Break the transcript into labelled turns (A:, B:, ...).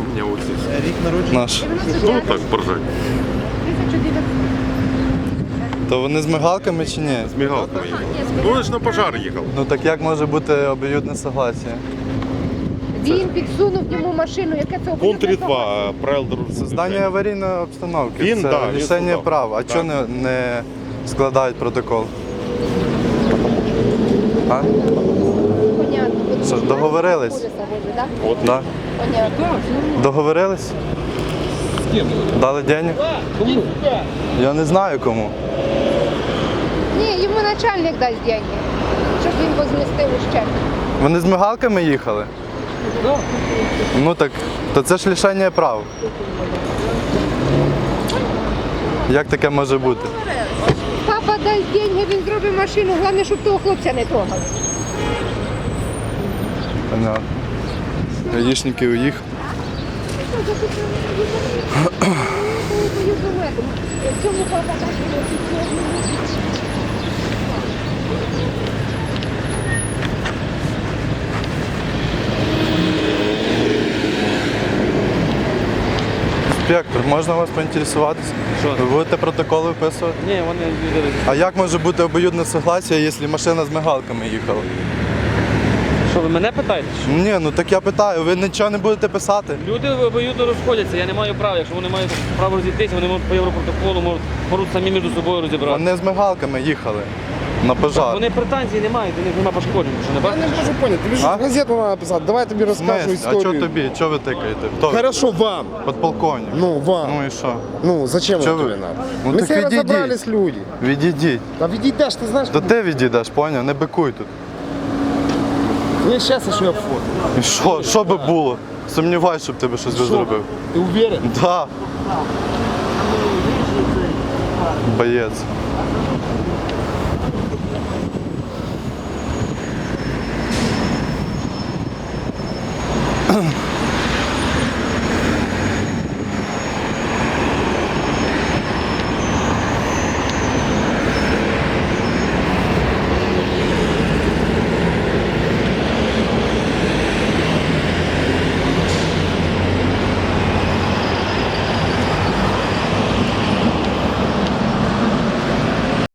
A: меня вот здесь.
B: Рік народження.
C: Наш.
A: Ну так, поржать.
D: 1900.
C: То вони з мигалками чи ні?
A: С мигалками ехал. Ну, он же на пожар ехал.
C: Ну так як може бути обоюдне согласие?
D: Він підсунув йому машину, яке це
A: Пункт
D: об'єднане
A: 3.2 правил дорожного
C: Создання
A: движения.
C: аварійної обстановки.
A: Він,
C: це
A: да, він
C: лишення
A: создав.
C: прав. А
A: Да.
C: чого не складають протокол? А?
D: Понятно.
C: Що ж, договорились?
D: Поліса возить, да?
A: Вот.
C: Да?
D: Понятно.
C: Договорились? Дали денег? Я не знаю кому.
D: Ні, йому начальник дасть деньги, щоб він возмістив ущерб.
C: Вони з мигалками їхали? Ну так, то це ж лишення прав. Як таке може бути?
D: Папа дасть деньги, він зробить машину, головне, щоб того хлопця не трогали.
C: Понятно. Гаїшники уїхали.
D: Цьому папа дасть
C: Інспектор, можна вас поінтересуватися?
E: Що?
C: Ви будете протоколи виписувати?
E: Ні, вони їздили.
C: А як може бути обоюдне согласие, якщо машина з мигалками їхала?
E: Що, ви мене питаєте?
C: Ні, ну так я питаю, ви нічого не будете писати?
E: Люди обоюдно розходяться, я не маю права. Якщо вони мають право розійтися, вони можуть по європротоколу, можуть самі між собою розібрати.
C: Вони з мигалками їхали на пожар.
E: Вони претензій не мають, у них немає пошкоджень, що не
B: Я не
E: бачите?
B: можу поняти, тобі ж
C: А?
B: газету треба писати, давай я тобі
C: В
B: розкажу
C: смислі? А
B: історію.
C: чого тобі? Чого ви тикаєте? Хто?
B: Хорошо, вам.
C: Подполковник.
B: Ну, вам.
C: Ну і що?
B: Ну, зачем
C: Чё
B: это
C: вы?
B: тебе надо?
C: Ну,
B: Мы
C: так
B: все
C: ведите.
B: разобрались, люди.
C: Відійдіть.
B: Да відійдеш, ти знаєш,
C: То ти відійдеш, поняв? Не бикуй тут.
B: я щас ще я фото.
C: І що би було? Сумніваюсь, щоб тебе щось би зробив.
B: Ти уверен?
C: Да. Боєць.